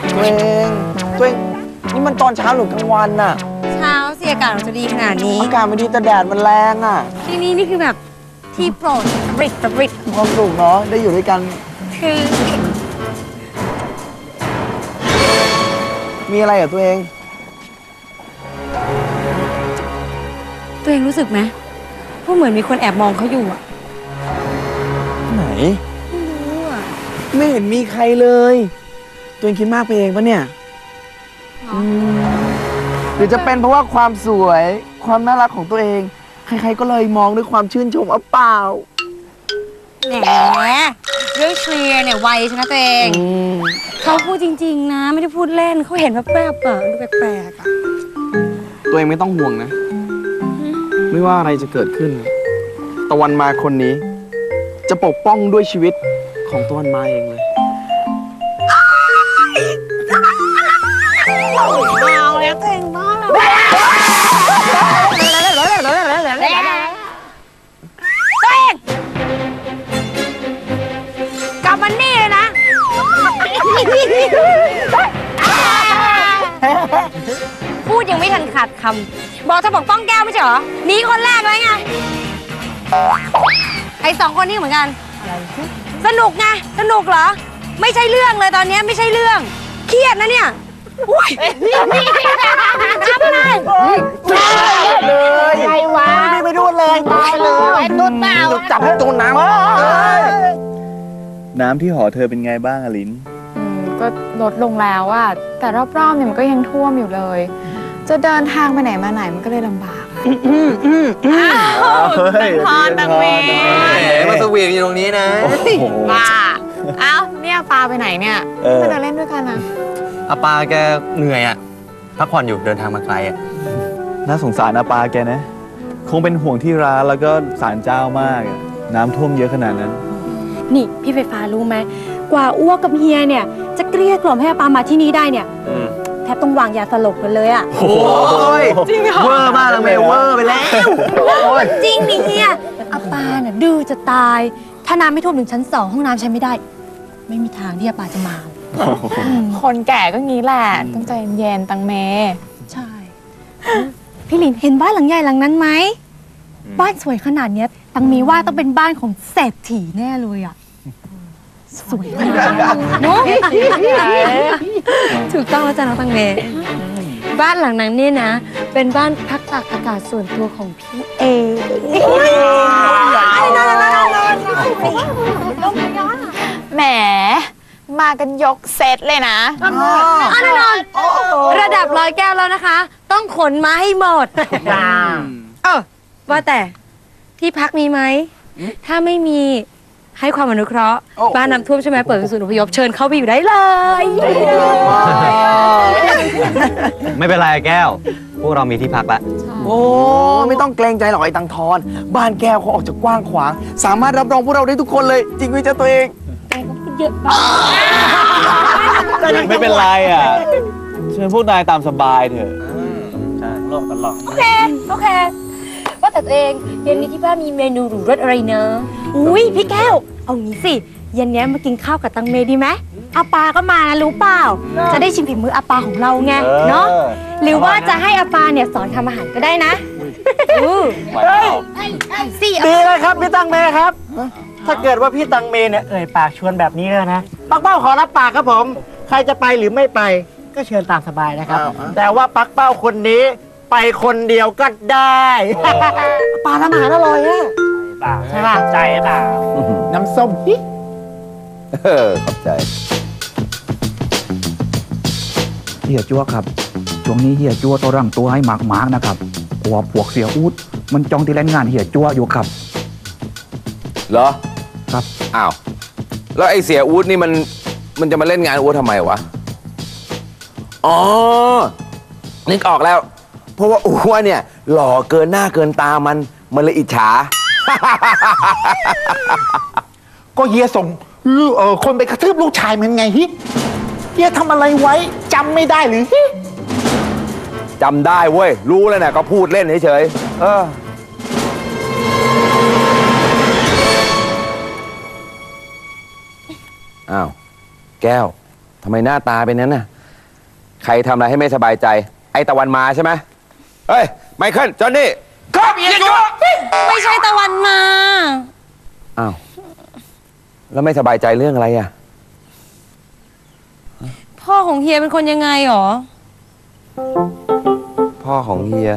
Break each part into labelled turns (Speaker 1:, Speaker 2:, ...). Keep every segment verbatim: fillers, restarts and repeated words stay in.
Speaker 1: ตัวเองตัวเองนี่มันตอนเช้าหรือกลางวันน่ะ
Speaker 2: เช้าสิอากาศมันจะดีขนาดนี้
Speaker 1: อากาศมันดีแต่แดดมันแรงอ่ะ
Speaker 2: ที่นี่นี่คือแบบที่โปรดบริกบริก
Speaker 1: ความสุขเนาะได้อยู่ด้วยกัน
Speaker 2: คือ
Speaker 1: มีอะไรอ่ะตัวเอง
Speaker 2: ตัวเองรู้สึกไหมว่าเหมือนมีคนแอบมองเขาอยู่อะ
Speaker 1: ไหน
Speaker 2: ไม่รู้อะ
Speaker 1: ไม่เห็นมีใครเลยตัวเองคิดมากไปเองปะเนี่ยหรือจะเป็นเพราะว่าความสวยความน่ารักของตัวเองใครๆก็เลยมองด้วยความชื่นชมอ่ะเปล่า
Speaker 2: แหมเรื่องเคลียร์เนี่ยไวใช่ไหมตัวเองเขาพูดจริงๆนะไม่ได้พูดเล่นเขาเห็นแบบแบบๆอะดูแปลกๆอะ
Speaker 1: ตัวเองไม่ต้องห่วงนะไม่ว่าอะไรจะเกิดขึ้นตะวันมาคนนี้จะปกป้องด้วยชีวิตของตะวันมาเองเลย
Speaker 2: เอาแล้วตัวเองบ้าแล้วตัวเองกลับมานี่เลยนะพูดยังไม่ทันขาดคำบอกจะปกป้องแก้วไม่ใช่เหรอหนีคนแรกเลยไงไอ้สองคนนี้เหมือนกันสนุกไงสนุกเหรอไม่ใช่เรื่องเลยตอนนี้ไม่ใช่เรื่องเครียดนะเนี่ยอุ้ยทำอะไร
Speaker 1: เลยไงวะไม่ไปดูเลยตายเลยตุนเปล่าจับตุนน้ำ
Speaker 3: น้ำที่หอเธอเป็นไงบ้างอลิน
Speaker 4: ก็ลดลงแล้วอะแต่รอบๆเนี่ยมันก็ยังท่วมอยู่เลยจะเดินทางไปไหนมาไหนมันก็เลยลำบาก
Speaker 3: ตังพรตังเมย์
Speaker 1: มาสวีทอยู่ตรงนี้นะ
Speaker 4: ป้าเอ้าเนี่ยปาไปไหนเนี่ยมาเดินเล่นด้วยกันนะ
Speaker 5: อาปาแกเหนื่อยอ่ะพักผ่อนอยู่เดินทางมาไกลอ่ะ
Speaker 3: น่าสงสารอาปาแกนะคงเป็นห่วงที่ร้านแล้วก็ศาลเจ้ามากน้ำท่วมเยอะขนาดนั้น
Speaker 2: นี่พี่ไฟฟ้ารู้ไหมกว่าอ้วกกับเฮียเนี่ยจะเกลี้ยกล่อมให้อาปามาที่นี่ได้เนี่ยแทบต้องวางยาสลบกันเลยอ่ะ
Speaker 1: โอ้ยจริงเหรอเวอร์มากเลยเวอร์ไปแล้ว
Speaker 2: จริงดิเฮียอาปาเนี่ยดื้อจะตายถ้าน้ำไม่ท่วมถึงชั้นสองห้องน้ำใช้ไม่ได้ไม่มีทางที่อาปาจะมา
Speaker 4: คนแก่ก็งี้แหละต้องใจเย็นตังเม
Speaker 2: ใช่พี่หลินเห็นบ้านหลังใหญ่หลังนั้นไหมบ้านสวยขนาดนี้ตังมีว่าต้องเป็นบ้านของเศรษฐีแน่เลยอ่ะสวยมากเนาะถูกต้องแล้วจ้ะน้องตังเมบ้านหลังนั้นเนี่ยนะเป็นบ้านพักตากอากาศส่วนตัวของพี่เอ
Speaker 4: แหมมากันยกเซตเลยนะ
Speaker 2: แน่นอนระดับร้อยแก้วแล้วนะคะต้องขนมาให้หมดเออว่าแต่ที่พักมีไหมถ้าไม่มีให้ความอนุเคราะห์บ้านน้ำท่วมใช่ไหมเปิดเป็นศูนย์อพยพเชิญเข้าไปอยู่ได้เลย
Speaker 5: ไม่เป็นไรแก้วพวกเรามีที่พักแล้ว
Speaker 1: โอ้ไม่ต้องเกรงใจหรอกไอ้ตังทอนบ้านแก้วเขาออกจากกว้างขวางสามารถรับรองพวกเราได้ทุกคนเลยจริงไหมจ๊ะตัวเอง
Speaker 2: เยอะ
Speaker 3: ไม่เป็นไรอ่ะเชิญพวกนายตามสบายเถอะใช่โลกตลอด
Speaker 2: โอเคโอเคว่าแต่ตัวเองเย็นนี้ที่บ้านมีเมนูหรูรสอะไรเนอะอุ้ยพี่แก้วเอางี้สิเย็นนี้มากินข้าวกับตังเมดีไหมอาปาก็มานะรู้เปล่าจะได้ชิมฝีมืออาปาของเราไงเนาะหรือว่าจะให้อาปาเนี่ยสอนทำอาหารก็ได้นะ
Speaker 1: สี่ดีเลยครับพี่ตังเมครับ
Speaker 6: ถ้าเกิดว่าพี่ตังเมเนี่ยเอ่ยปากชวนแบบนี้แล้วนะปักเป้าขอรับปากครับผมใครจะไปหรือไม่ไปก็เชิญตามสบายนะครับแต่ว่าปักเป้าคนนี้ไปคนเดียวก็ได้
Speaker 1: ปลาทำอาหารอร่อยอะ
Speaker 6: ใช่ป่ะใจเปล่า
Speaker 1: น้ำส้มฮิ
Speaker 3: เออขอบใจ
Speaker 7: เฮียจั่วครับช่วงนี้เฮียจั่วต้องร่างตัวให้มากๆนะครับกลัวพวกเสียอูดมันจองที่เล่นงานเฮียจั่วอยู่ครับ
Speaker 8: เหรอ
Speaker 7: ครับ
Speaker 8: อ้าวแล้วไอ้เสียอูดนี่มันมันจะมาเล่นงานอูดทำไมวะอ๋อนึกออกแล้วเพราะว่าอูดเนี่ยหล่อเกินหน้าเกินตามันมันเลยอิจฉา
Speaker 6: ก็เฮียส่งเออคนไปกระทืบลูกชายมันไงฮิเฮียทำอะไรไว้จำไม่ได้หรือฮิ
Speaker 8: จำได้เว้ยรู้แล้วนะก็พูดเล่นเฉยๆเอออ้าวแก้วทำไมหน้าตาเป็นนั้นน่ะใครทำอะไรให้ไม่สบายใจ ไอ้ตะวันมาใช่ไหมเฮ้ย ไมเคิล จอห์นนี่ครับเฮียจัว
Speaker 2: ไม่ใช่ตะวันมา
Speaker 8: อ้าว แล้วไม่สบายใจเรื่องอะไรอ่ะ
Speaker 2: พ่อของเฮียเป็นคนยังไงหรอ
Speaker 8: พ่อของเฮีย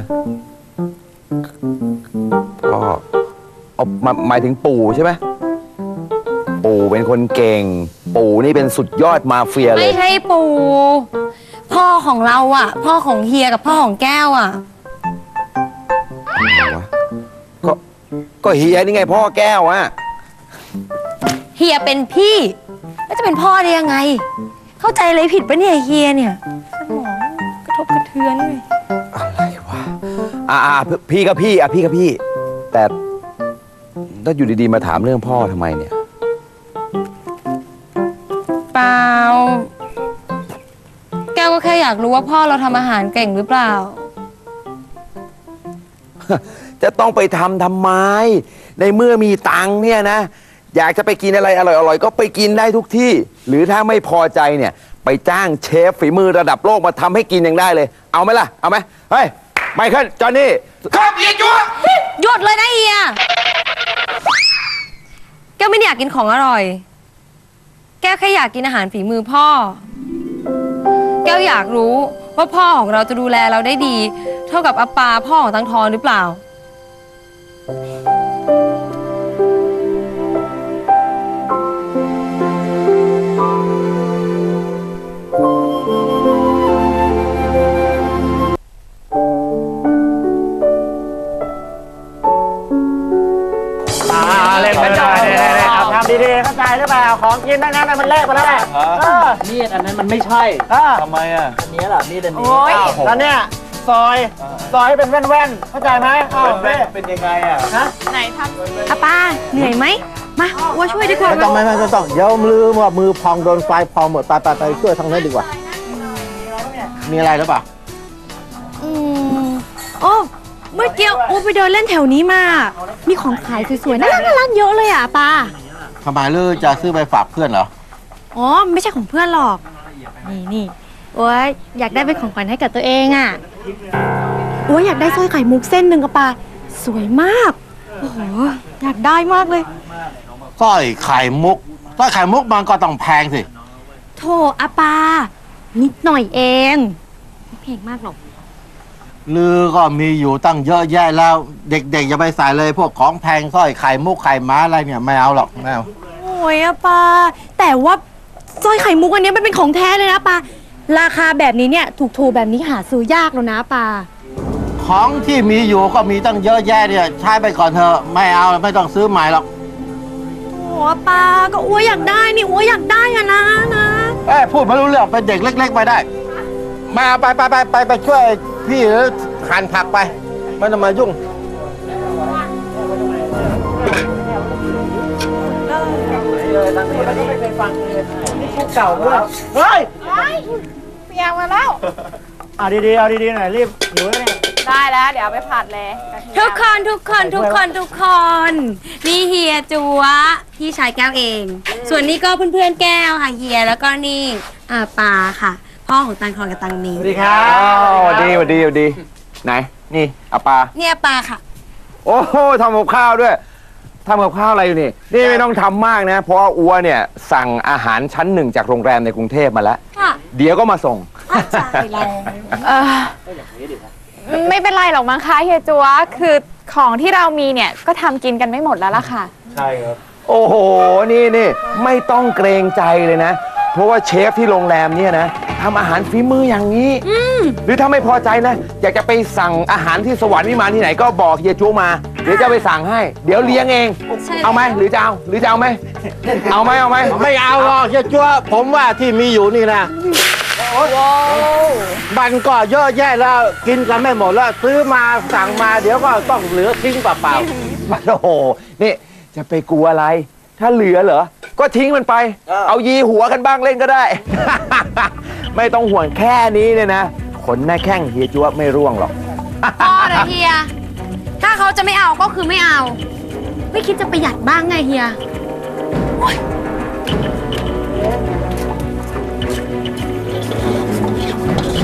Speaker 8: พ่อเอามาหมายถึงปู่ใช่ไหม ปู่เป็นคนเก่ง ปู่นี่เป็นสุดยอดมาเฟียเล
Speaker 2: ไม่
Speaker 8: ย
Speaker 2: ใช่ปู่พ่อของเราอ่ะ พ่อของเฮียกับพ่อของแก้วอ่ะ
Speaker 8: ก็ ก็เฮียนี่ไงพ่อแก้วอะ
Speaker 2: เฮียเป็นพี่แล้วจะเป็นพ่อได้ยังไง เข้าใจอะไรผิดปะเนี่ยเฮียเนี่ยสมองกระทบกระเทือนเลย
Speaker 8: อะไรวะ อ่าอ่าพี่กับพี่อ่ะพี่กับพี่ แต่ถ้าอยู่ดีๆมาถามเรื่องพ่อทำไมเนี่ย
Speaker 2: เปล่าแก้วก็แค่อยากรู้ว่าพ่อเราทำอาหารเก่งหรือเปล่า
Speaker 8: จะต้องไปทำทำไม ในเมื่อมีตังค์เนี่ยนะ อยากจะไปกินอะไรอร่อยๆ ก็ไปกินได้ทุกที่ หรือถ้าไม่พอใจเนี่ย ไปจ้างเชฟฝีมือระดับโลกมาทำให้กินยังได้เลย เอาไหมล่ะ เอาไหมเฮ้ย ไมเคิล จอห์นนี่ครับเฮียจัว
Speaker 2: หยุดเลยนะเฮียแก้วไม่ได้อยากกินของอร่อย แก้วแค่อยากกินอาหารฝีมือพ่อ แก้วอยากรู้ว่าพ่อของเราจะดูแลเราได้ดี เท่ากับอาปาพ่อของตังทอนหรือเปล่า
Speaker 6: เล่นกันได้เอาทำดีๆเข้าใจหรือเปล่าของกินทั้งนั้นมันเละไปแล้วแหละมีดอันนั้นมันไม่ใช่
Speaker 3: ทำไมอ่ะ
Speaker 6: อันนี้แหละมีดอันนี้แล้วเนี่ยซอยซอยให้เป็นแว่นๆเข้าใจไหมเป็นเป็นยังไงอ่ะฮะ
Speaker 4: ไหนทำ
Speaker 2: อาปาเหนื่อยไหมมาว่าช่วยดีกว่า
Speaker 6: ไม่ต้องไม่ไม่ต้องเดี๋ยวมือว่ามือพองโดนไฟพองหมดไปไปไปช่วยทางนั้นดีกว่ามีอะไรหรือเปล่า
Speaker 2: อืมโอ้เมื่อกี้อูไปเดินเล่นแถวนี้มา มีของขายสวยๆน่ารักน่ารักเยอะเลยอ่ะปา
Speaker 6: ทำไมลือจะซื้อไปฝากเพื่อนเหรอ
Speaker 2: อ๋อไม่ใช่ของเพื่อนหรอก นี่นี่โอ้ยอยากได้เป็นของขวัญให้กับตัวเองอ่ะโอ้ยอยากได้สร้อยไข่มุกเส้นหนึ่งกับปาสวยมากโอ้โหอยากได้มากเลย
Speaker 6: สร้อยไข่มุกสร้อยไข่มุกมันก็ต้องแพงสิ
Speaker 2: โถอาปานิดหน่อยเองไม่แพงมากหรอก
Speaker 6: ลือก็มีอยู่ตั้งเยอะแยะแล้ว เด็กๆอย่าไปใส่เลยพวกของแพงสร้อยไข่มุกไข่ม้าอะไรเนี่ยไม่เอาหรอกไม่เอา
Speaker 2: โอ้ยอาปาแต่ว่าสร้อยไข่มุกอันนี้มันเป็นของแท้เลยนะปาราคาแบบนี้เนี่ยถูกๆแบบนี้หาซื้อยากแล้วนะปา
Speaker 6: ของที่มีอยู่ก็มีตั้งเยอะแยะเนี่ยใช้ไปก่อนเถอะไม่เอาไม่ต้องซื้อใหม่หรอก
Speaker 2: โอ้ปาก็อ้วอยากได้นี่อ้วอยากได้อะนะนะ
Speaker 6: เอ้ยพูดไม่รู้เรื่องเป็นเด็กเล็ก ๆ ไปได้ มาไปไปไปไปไปช่วยพี่หรือหั่นผักไปไม่ต้องมายุ่งเก่าด้วยเฮ้ย
Speaker 4: เปียกมาแล้ว
Speaker 6: เอาดีๆเอาดีๆหน่อยรีบหิวแล้วเนี่ย
Speaker 4: ได้แล้ว เดี๋ยวเอาไปผัดเลยกระเทียม
Speaker 2: ทุกคนทุกคนทุกคนทุกคนนี่เฮียจัวพี่ชายแก้วเอง ส่วนนี้ก็เพื่อนๆแก้วค่ะเฮียแล้วก็นี่อาปาค่ะ พ่อของตังทอนกับตังมี
Speaker 6: สวัสดีครับ
Speaker 8: อ้าวสวัสดีสวัสดีสวัสดี ไหน นี่อาปา
Speaker 2: เนี่ยปาค่ะ
Speaker 8: โอ้โหทำกับข้าวด้วยทำกับข้าวอะไรอยู่นี่ นี่ไม่ต้องทำมากนะ เพราะว่าอัวเนี่ยสั่งอาหารชั้นหนึ่งจากโรงแรมในกรุงเทพมาแล้ว
Speaker 2: ค่ะ
Speaker 8: เดี๋ยวก็มาส่ง
Speaker 2: อาจารย์เรา
Speaker 4: เออไม่เป็นไรหรอกมั้งคะเฮียจัวคือของที่เรามีเนี่ยก็ทำกินกันไม่หมดแล้วล่ะค่ะ
Speaker 8: โอ้โห นี่นี่ไม่ต้องเกรงใจเลยนะ เพราะว่าเชฟที่โรงแรมเนี่ยนะทำอาหารฝีมืออย่างนี้ หรือถ้าไม่พอใจนะ อยากจะไปสั่งอาหารที่สวรรค์วิมานที่ไหนก็บอกเฮียจูมา เดี๋ยวจะไปสั่งให้ เดี๋ยวเลี้ยงเอง
Speaker 2: ใช่
Speaker 8: เอาไหมหรือจะเอา หรือจะเอาไหมเอาไหมเอาไหม
Speaker 6: ไม่เอาหรอกเฮียจัวผมว่าที่มีอยู่นี่นะมันก็เยอะแยะแล้วกินกันไม่หมดแล้วซื้อมาสั่งมาเดี๋ยวก็ต้องเหลือทิ้งเปล่า
Speaker 8: มันโอ้โห นี่จะไปกลัวอะไร ถ้าเหลือเหรอ ก็ทิ้งมันไป เอายีหัวกันบ้างเล่นก็ได้ ไม่ต้องห่วงแค่นี้เนี่ยนะ ขนหน้าแข้งเฮียจัวไม่ร่วงหรอก
Speaker 2: พ่อนะเฮียถ้าเขาจะไม่เอาก็คือไม่เอา ไม่คิดจะประหยัดบ้างไงเฮียโอ๊ย
Speaker 6: ๆ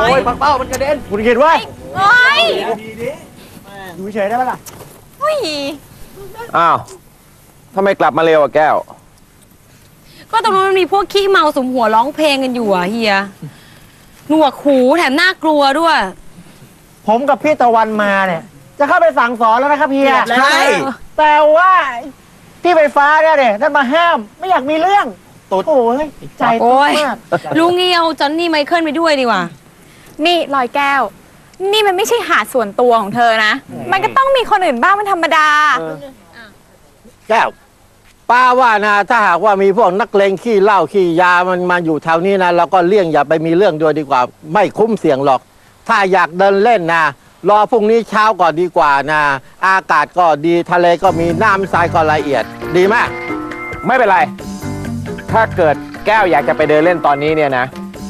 Speaker 6: โอ้ยปักเป้ามันกระเด็นคุณคิดว่า
Speaker 4: โอ้ย
Speaker 6: อยู่เฉยได้ปะล่ะ
Speaker 4: โอ้ย
Speaker 8: อ้าวทำไมกลับมาเร็วอะแก้ว
Speaker 2: ก็ตรงนั้นมันมีพวกขี้เมาสมหัวร้องเพลงกันอยู่อ่ะเฮียหนวกหูแถมน่ากลัวด้วย
Speaker 6: ผมกับพี่ตะวันมาเนี่ยจะเข้าไปสั่งสอนแล้วนะครับเฮีย
Speaker 8: ใช่
Speaker 6: แต่ว่าที่ไฟฟ้าเนี่ยเนี่ยนั่นมาห้ามไม่อยากมีเรื่องตุ๊ดโอ้ยใจ
Speaker 2: โอ้
Speaker 6: ตุ๊ด
Speaker 2: ย
Speaker 6: มาก
Speaker 2: ลุงเงียวจอนนี่ไมเคิลไปด้วยดีกว่า
Speaker 4: นี่ลอยแก้ว นี่มันไม่ใช่หาดส่วนตัวของเธอนะ มันก็ต้องมีคนอื่นบ้างเป็นธรรมดา
Speaker 6: แก้วป้าว่านะถ้าหากว่ามีพวกนักเลงขี้เหล้าขี้ยามันมาอยู่แถวนี้นะเราก็เลี่ยงอย่าไปมีเรื่องด้วยดีกว่า ไม่คุ้มเสี่ยงหรอก ถ้าอยากเดินเล่นนะรอพรุ่งนี้เช้าก่อนดีกว่านะอากาศก็ดีทะเลก็มีน้ำทรายก็ละเอียดดีมาก
Speaker 8: ไม่เป็นไร ถ้าเกิดแก้วอยากจะไปเดินเล่นตอนนี้เนี่ยนะ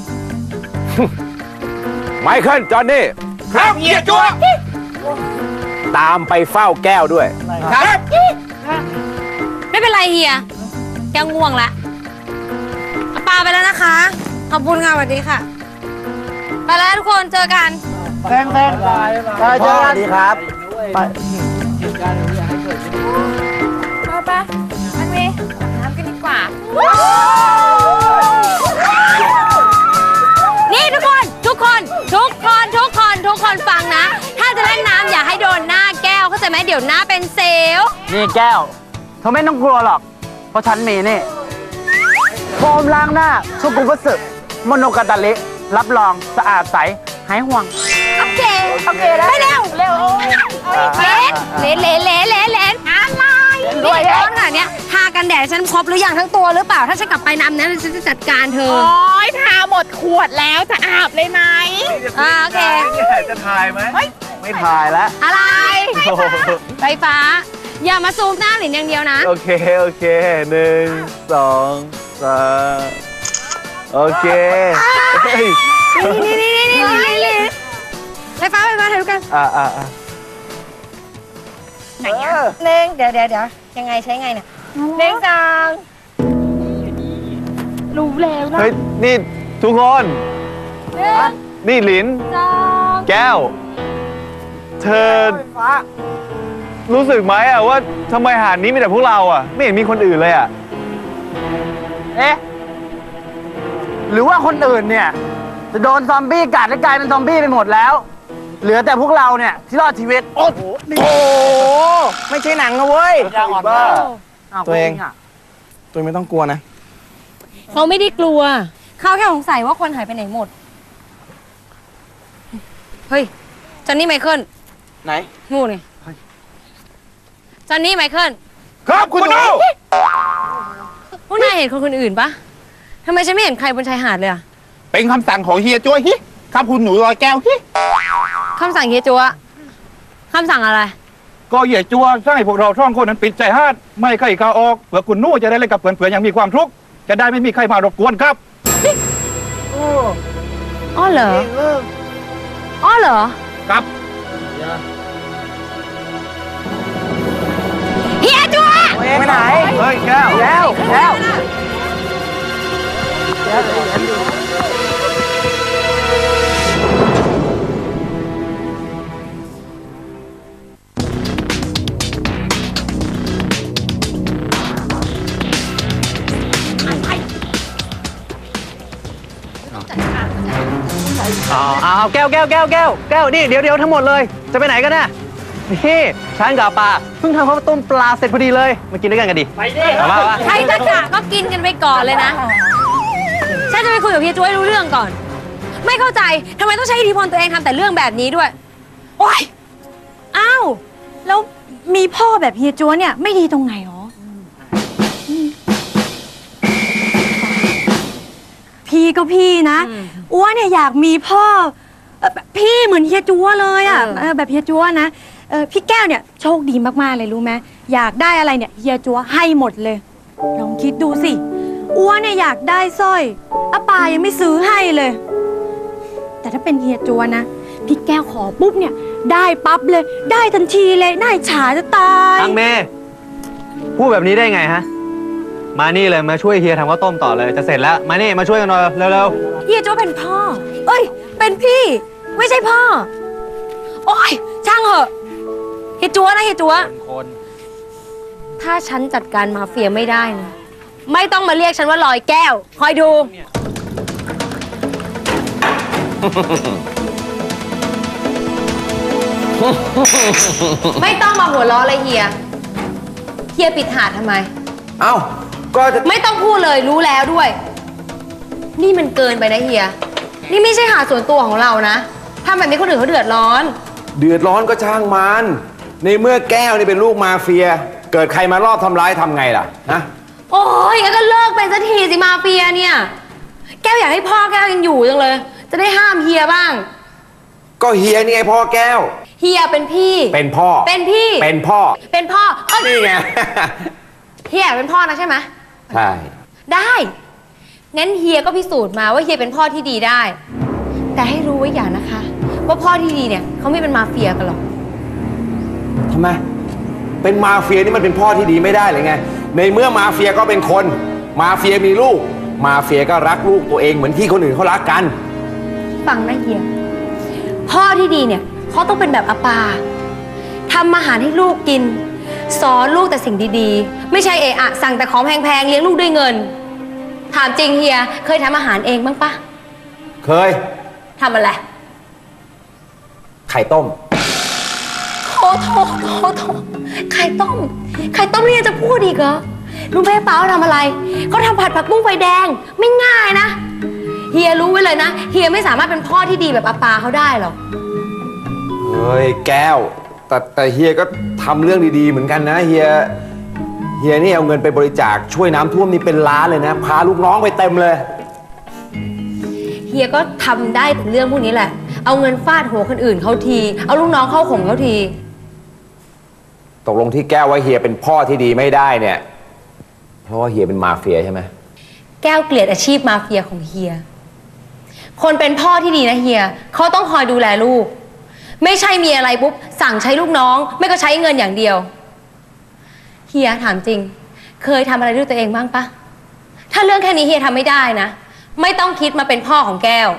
Speaker 8: ไมเคิลจอห์นนี่ครับเฮียจัวตามไปเฝ้าแก้วด้วยครับ
Speaker 2: ไม่เป็นไรเฮียแกง่วงละเอาปลาไปแล้วนะคะ ขอบคุณค่ะสวัสดีค่ะ ไปแล้วทุกคนเจอกัน
Speaker 6: แพงแพงไปเจอกันดีครับไป
Speaker 4: ไปไปมันมีน้ำกันดีกว่า
Speaker 2: นี่ทุกคนทุกคนทุกคนทุกคนทุกคนฟังนะ ถ้าจะเล่นน้ำอย่าให้โดนหน้าแก้วเข้าใจไหมเดี๋ยวหน้าเป็นเซลล์
Speaker 6: นี่แก้วเธอไม่ต้องกลัวหรอกเพราะฉันมีนี่โฟมล้างหน้าชุกุบุสึโมโนกาตาลิรับรองสะอาดใสหายห่วง
Speaker 2: โอเคโอเคแล้วไปเร็วเร็วเลนเลนเลนเลนเลนเลนอะไรด้วยร้อนขนาดเนี้ยทากันแดดฉันครบหรือยังทั้งตัวหรือเปล่าถ้าฉันกลับไปน้ำนั้นฉันจะจัดการเธอ
Speaker 4: โอ้ยทาหมดขวดแล้วจะอาบเลยไหม
Speaker 2: อ่าโอเค
Speaker 3: จะถ่ายไหมไม่ถ่ายแล้ว
Speaker 2: อะไรไฟฟ้า อย่ามาซูมหน้าหลินอย่างเดียวนะ
Speaker 3: โอเค โอเคหนึ่งสองสามโอเคเฮ้ย
Speaker 2: นี่นี่นี่นี่นี่นี่ไฟฟ้าไฟฟ้าถ่ายรูปกัน
Speaker 3: อ่าอ่าอ่า
Speaker 2: ไหนอ่ะเน่งเดี๋ยวเดี๋ยวเดี๋ยวยังไงใช้ไงเนี่ยเน่งจังรู้แล้วนะ
Speaker 3: เฮ้ย นี่ทุกคน นี่หลิน
Speaker 2: จัง
Speaker 3: แก้ว เธอ รู้สึกไหมอะว่าทำไมหาดนี้มีแต่พวกเราอะไม่เห็นมีคนอื่นเลยอะ
Speaker 6: เอ๊ะหรือว่าคนอื่นเนี่ยจะโดนซอมบี้กัดและกลายเป็นซอมบี้ไปหมดแล้ว เหลือแต่พวกเราเนี่ยที่รอดชีวิต โอ้โหไม่ใช่หนังนะเว้ย
Speaker 3: บ้า
Speaker 1: ตัวเอง ตัวเองไม่ต้องกลัวนะ
Speaker 2: เขาไม่ได้กลัว เขาแค่สงสัยว่าคนหายไปไหนหมด เฮ้ยจอนนี่ไมเคิล
Speaker 1: ไหน
Speaker 2: งูนี่จอนนี่ไมเคิล
Speaker 3: ครับคุณหนู
Speaker 2: พวกนายเห็นคนคนอื่นปะทำไมฉันไม่เห็นใครบนชายหาดเลยอะ
Speaker 9: เป็นคำสั่งของเฮียจ้วยฮิครับคุณหนูลอยแก้วฮิ
Speaker 2: คำสั่งเฮียจัวคำสั่งอะไร
Speaker 9: ก็เฮียจัวสั่งให้พวกเราท่องคนนั้นปิดใจฮาดไม่ใครเข้าออกเผื่อคุณหนู่จะได้เล่นกับเพื่อนๆอย่างมีความทุกข์จะได้ไม่มีใครมารบกวนครับ
Speaker 2: อ้อเหรออ้อเหรอ
Speaker 9: ครับ
Speaker 2: เฮียจัว
Speaker 6: ไปไหน
Speaker 3: เฮ้ย แก้ว
Speaker 6: แล้วแล้ว
Speaker 3: อ๋อเอาแก้วแก้วแก้วแก้วแก้วนี่เดี๋ยวเดี๋ยวทั้งหมดเลย จะไปไหนกันน่ะนี่ฉันกับปลาเพิ่งทำข้าวต้มปลาเสร็จพอดีเลย มากินด้วยกันกันดิ ไปดิมาว่า
Speaker 2: ใครจะกะก็กินกันไปก่อนเลยนะ ฉันจะไปคุยกับเฮียจัวให้รู้เรื่องก่อน ไม่เข้าใจทำไมต้องใช้อิทธิพลตัวเองทำแต่เรื่องแบบนี้ด้วย โอ๊ยอ้าวแล้วมีพ่อแบบเฮียจัวเนี่ยไม่ดีตรงไหนหรอ พี่ก็พี่นะอ้วนเนี่ยอยากมีพ่อเอ่อพี่เหมือนเฮียจัวเลยอ่ะเออแบบเฮียจัวนะเออพี่แก้วเนี่ยโชคดีมากๆเลยรู้ไหมอยากได้อะไรเนี่ยเฮียจัวให้หมดเลย ลองคิดดูสิอ้วนเนี่ยอยากได้สร้อยอาปายังไม่ซื้อให้เลย แต่ถ้าเป็นเฮียจัวนะพี่แก้วขอปุ๊บเนี่ยได้ปั๊บเลยได้ทันทีเลยน่าอิจฉาจะตาย
Speaker 3: ตังเมพูดแบบนี้ได้ไงฮะ มานี่เลยมาช่วยเฮียทำข้าวต้มต่อเลยจะเสร็จแล้ว มานี่มาช่วยกันหน่อยเร็ว
Speaker 2: เฮียจัวเป็นพ่อ เอ้ย เป็นเป็นพี่ ไม่ใช่พ่อ โอ๊ยช่างเหอะเฮียจัวนะเฮียจัวถ้าฉันจัดการมาเฟียไม่ได้นะไม่ต้องมาเรียกฉันว่าลอยแก้ว คอยดู ไม่ต้องมาหัวล้อเลยเฮียเฮียปิดหาดทำไม
Speaker 8: เอ้าก็จะ
Speaker 2: ไม่ต้องพูดเลยรู้แล้วด้วย นี่มันเกินไปนะเฮียนี่ไม่ใช่หาดส่วนตัวของเรานะทำแบบนี้คนอื่นเขาเดือดร้อน
Speaker 8: เดือดร้อนก็ช่างมันในเมื่อแก้วนี่เป็นลูกมาเฟีย เกิดใครมารอบทำร้ายทำไงล่ะฮะ
Speaker 2: โอ้ยงั้นก็เลิกเป็นสักทีสิมาเฟียเนี่ยแก้วอยากให้พ่อแก้วยังอยู่จังเลย จะได้ห้ามเฮียบ้าง
Speaker 8: ก็เฮียนี่ไงพ่อแก้ว
Speaker 2: เฮียเป็นพี่
Speaker 8: เป็นพ่อ
Speaker 2: เป็นพี่
Speaker 8: เป็นพ่อ
Speaker 2: เป็นพ่อเอ้ย
Speaker 8: นี่ไง
Speaker 2: เฮียเป็นพ่อนะใช่ไหม
Speaker 8: ใช่
Speaker 2: ได้งั้นเฮียก็พิสูจน์มาว่าเฮียเป็นพ่อที่ดีได้ แต่ให้รู้ไว้อย่างนะคะ ว่าพ่อที่ดีเนี่ยเขาไม่เป็นมาเฟียกันหรอก
Speaker 8: ทำไมเป็นมาเฟียนี่มันเป็นพ่อที่ดีไม่ได้เลยไงในเมื่อมาเฟียก็เป็นคนมาเฟียมีลูกมาเฟียก็รักลูกตัวเองเหมือนที่คนอื่นเขารักกัน
Speaker 2: ฟังนะเฮียพ่อที่ดีเนี่ยเขาต้องเป็นแบบอาปาทำอาหารให้ลูกกินสอนลูกแต่สิ่งดีๆไม่ใช่เอะอะสั่งแต่ของแพงๆเลี้ยงลูกด้วยเงินถามจริงเฮียเคยทำอาหารเองบ้างปะ
Speaker 8: เคย
Speaker 2: ทำอะไร
Speaker 8: ไข่ต้ม
Speaker 2: โถโถโถโถไข่ต้มไข่ต้มเนี่ยจะพูดอีกเหรอรู้ไหมป้าทำอะไรเขาทำผัดผักบุ้งไฟแดงไม่ง่ายนะเฮียรู้ไว้เลยนะเฮียไม่สามารถเป็นพ่อที่ดีแบบอาปาเขาได้หรอก
Speaker 8: เฮ้ยแก้วแต่แต่เฮียก็ทำเรื่องดีๆเหมือนกันนะเฮียเฮียนี่เอาเงินไปบริจาคช่วยน้ำท่วมนี่เป็นล้านเลยนะพาลูกน้องไปเต็มเลย
Speaker 2: เฮียก็ทำได้แต่เรื่องพวกนี้แหละเอาเงินฟาดหัวคนอื่นเขาทีเอาลูกน้องเข้าข่มเขาที
Speaker 8: ตกลงที่แก้วว่าเฮียเป็นพ่อที่ดีไม่ได้เนี่ยเพราะว่าเฮียเป็นมาเฟียใช่ไหม
Speaker 2: แก้วเกลียดอาชีพมาเฟียของเฮียคนเป็นพ่อที่ดีนะเฮียเขาต้องคอยดูแลลูกไม่ใช่มีอะไรปุ๊บสั่งใช้ลูกน้องไม่ก็ใช้เงินอย่างเดียวเฮียถามจริงเคยทำอะไรด้วยตัวเองบ้างปะถ้าเรื่องแค่นี้เฮียทำไม่ได้นะไม่ต้องคิดมาเป็นพ่อของแก้ว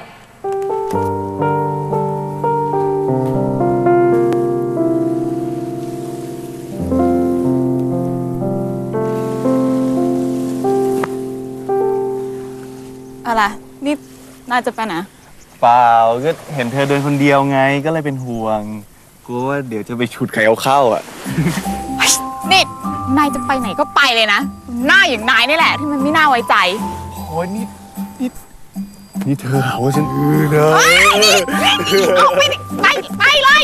Speaker 4: อะไรนี่น่าจะไปไหน
Speaker 5: เปล่าก็เห็นเธอเดินคนเดียวไงก็เลยเป็นห่วงกลัวว่าเดี๋ยวจะไปฉุดใครเอาเข้าอ่ะ
Speaker 4: นี่นายจะไปไหนก็ไปเลยนะหน้าอย่างนายนี่แหละที่มันไม่น่าไว้ใจ
Speaker 5: โอ้ยนี่นี่นี่เธอหาว่าฉันอือเลย
Speaker 4: นี่ออกไปไปไปเลย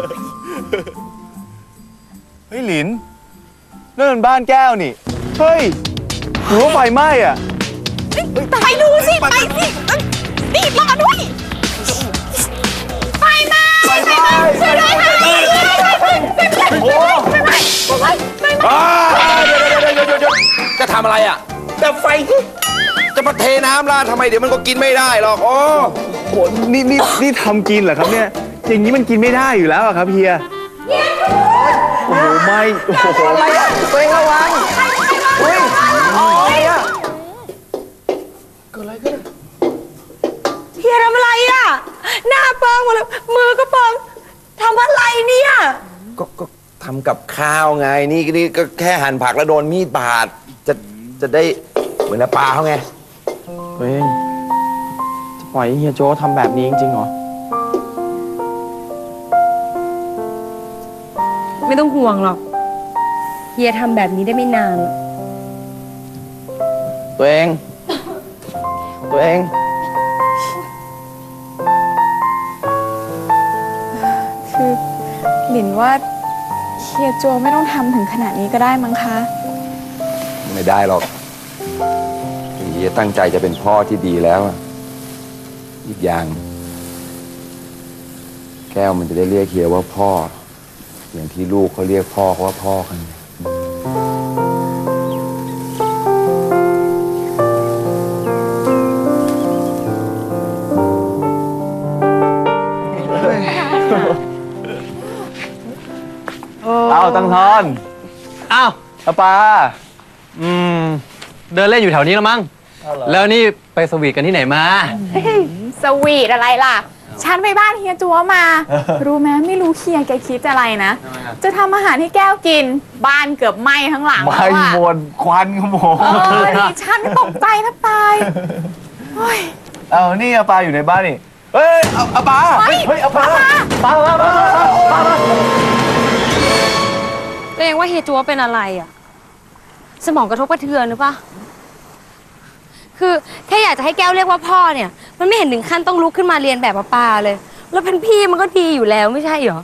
Speaker 5: เฮ้ยหลินนั่นมันบ้านแก้วนี่เฮ้ยหรือว่าไฟไหม้อ่ะ
Speaker 4: ไปดูสิไปสินี่รอด้วยไปมาไปมาช่วยด้วยค่ะ
Speaker 8: โอ้ไปไปไปไปเดี๋ยวเดี๋ยวเดี๋ยวจะทำอะไรอ่ะดับไฟจะมาเทน้ำราดทำไมเดี๋ยวมันก็กินไม่ได้หรอกโอ้
Speaker 5: โหนี่นี่นี่ทำกินเหรอครับเนี่ยอย่างนี้มันกินไม่ได้อยู่แล้วครับเฮียโอ้โหไม่โอ้โห
Speaker 8: อะไรอ่ะตัวเองระวังเฮ้ยอะไรอ่ะเกิดอะไรขึ้น
Speaker 2: เฮียทำอะไรอ่ะหน้าเปิงหมดเลยมือก็เปิงทำอะไรเนี่ย
Speaker 8: ก็ก็ทำกับข้าวไงนี่นี่ก็แค่หั่นผักแล้วโดนมีดบาดจะจะได้เหมือนปลาเขาไง
Speaker 1: เฮ้ยจะปล่อยให้เฮียโจ้ทำแบบนี้จริงๆเหรอ
Speaker 2: ไม่ต้องห่วงหรอกเฮียทำแบบนี้ได้ไม่นานหรอก
Speaker 1: ตัวเองตัวเอง
Speaker 4: คือหลินว่าเฮียโจไม่ต้องทำถึงขนาดนี้ก็ได้มั้งคะ
Speaker 8: ไม่ได้หรอกเฮียตั้งใจจะเป็นพ่อที่ดีแล้วอีกอย่างแก้วมันจะได้เรียกเฮียว่าพ่ออย่างที่ลูกเขาเรียกพ่อเขาว่าพ่อกัน
Speaker 5: เอาตังทอนอ้าวอาปาอืมเดินเล่นอยู่แถวนี้แล้วมั้งแล้วนี่ไปสวีทกันที่ไหนมา
Speaker 4: สวีทอะไรล่ะฉันไปบ้านเฮียจัวมา รู้ไหมไม่รู้เฮียแกคิดอะไรนะ จะทำอาหารให้แก้วกิน บ้านเกือบไหม้ทั้งหลัง
Speaker 5: ไม่
Speaker 4: แล้วอะ
Speaker 5: หมดควันขโมง
Speaker 4: เออนี่ฉันตกใจแทบตายโอ้ย
Speaker 5: เอานี่อาปาอยู่ในบ้านนี่ เฮ้ยเอาอาปา
Speaker 4: เฮ้ย
Speaker 5: เฮ้ยอาปาปาปาปาปา
Speaker 2: ตัวเองว่าเฮียจัวเป็นอะไรอ่ะ สมองกระทบกระเทือนหรือปะคือแค่อยากจะให้แก้วเรียกว่าพ่อเนี่ย มันไม่เห็นถึงขั้นต้องลุกขึ้นมาเรียนแบบป้าเลย แล้วเป็นพี่มันก็ดีอยู่แล้วไม่ใช่เหรอ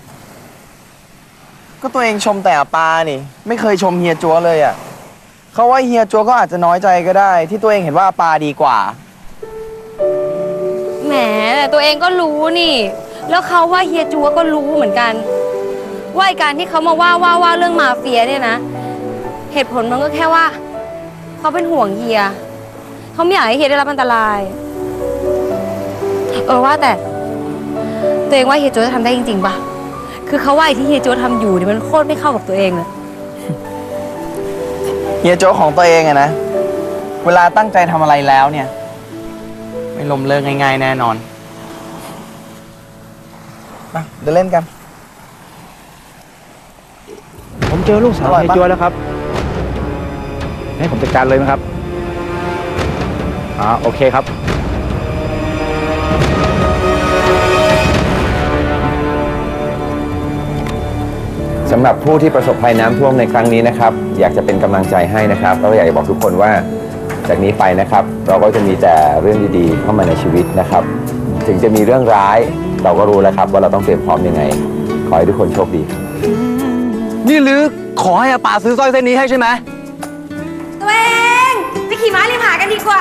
Speaker 1: ก็ตัวเองชมแต่อาปานี่ ไม่เคยชมเฮียจัวเลยอ่ะเขาว่าเฮียจัวก็อาจจะน้อยใจก็ได้ ที่ตัวเองเห็นว่าอาปาดีกว่า
Speaker 2: แหมแต่ตัวเองก็รู้นี่ แล้วเขาว่าเฮียจัวก็รู้เหมือนกัน ว่าไอ้การที่เขามาว่าว่าว่าเรื่องมาเฟียเนี่ยนะ เหตุผลมันก็แค่ว่าเขาเป็นห่วงเฮียเขาไม่อยากให้เฮียได้รับอันตราย เออว่าแต่ตัวเองว่าเฮียจัวจะทำได้จริงๆปะคือเขาว่าไอ้ที่เฮียจัวทำอยู่เนี่ยมันโคตรไม่เข้ากับตัวเองเลย
Speaker 1: เฮียจัวของตัวเองอะนะ เวลาตั้งใจทำอะไรแล้วเนี่ย ไม่ล้มเลิกง่ายๆแน่นอนมาเดินเล่นกัน
Speaker 7: ผมเจอลูกสาว
Speaker 1: อร่อย
Speaker 7: เฮีย
Speaker 1: ปะ
Speaker 7: จัวแล้วครับ ให้ผมจัดการเลยไหมครับอ่าโอเคครับ
Speaker 8: สำหรับผู้ที่ประสบภัยน้ำท่วมในครั้งนี้นะครับ อยากจะเป็นกำลังใจให้นะครับแล้วก็อยากจะบอกทุกคนว่าจากนี้ไปนะครับ เราก็จะมีแต่เรื่องดีๆเข้ามาในชีวิตนะครับ ถึงจะมีเรื่องร้ายเราก็รู้แล้วครับว่าเราต้องเตรียมพร้อมยังไง ขอให้ทุกคนโชคดีครับ
Speaker 3: นี่ลือขอให้อาป่าซื้อสร้อยเส้นนี้ให้ใช่ไหม
Speaker 2: ตัวเองไปขี่ม้าริมหากันดีกว่า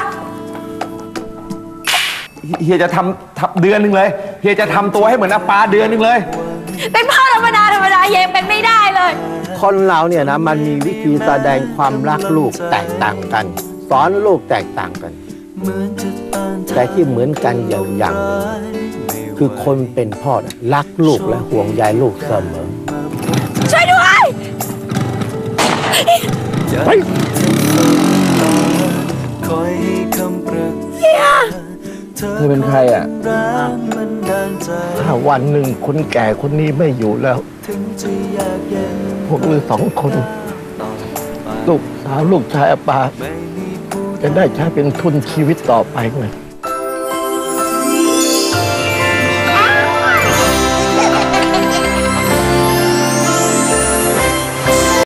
Speaker 8: เฮียจะทำทำเดือนหนึ่งเลย เฮียจะทำตัวให้เหมือนอาปาเดือนหนึ่งเลย
Speaker 2: เป็นพ่อธรรมดาธรรมดาเฮียเป็นไม่ได้เลย
Speaker 6: คนเราเนี่ยนะมันมีวิธีแสดงความรักลูกแตกต่างกัน สอนลูกแตกต่างกัน แต่ที่เหมือนกันอย่างอย่างหนึ่งคือคนเป็นพ่อน่ะรักลูกและห่วงใยลูกเสมอ
Speaker 2: ช่วยด้วย
Speaker 8: เธอเป็นใครอ่ะ
Speaker 6: ถ้าวันหนึ่งคนแก่คนนี้ไม่อยู่แล้ว พวกลือสองคน ลูกสาวลูกชายอาปา จะได้ใช้เป็นทุนชีวิตต่อไปไง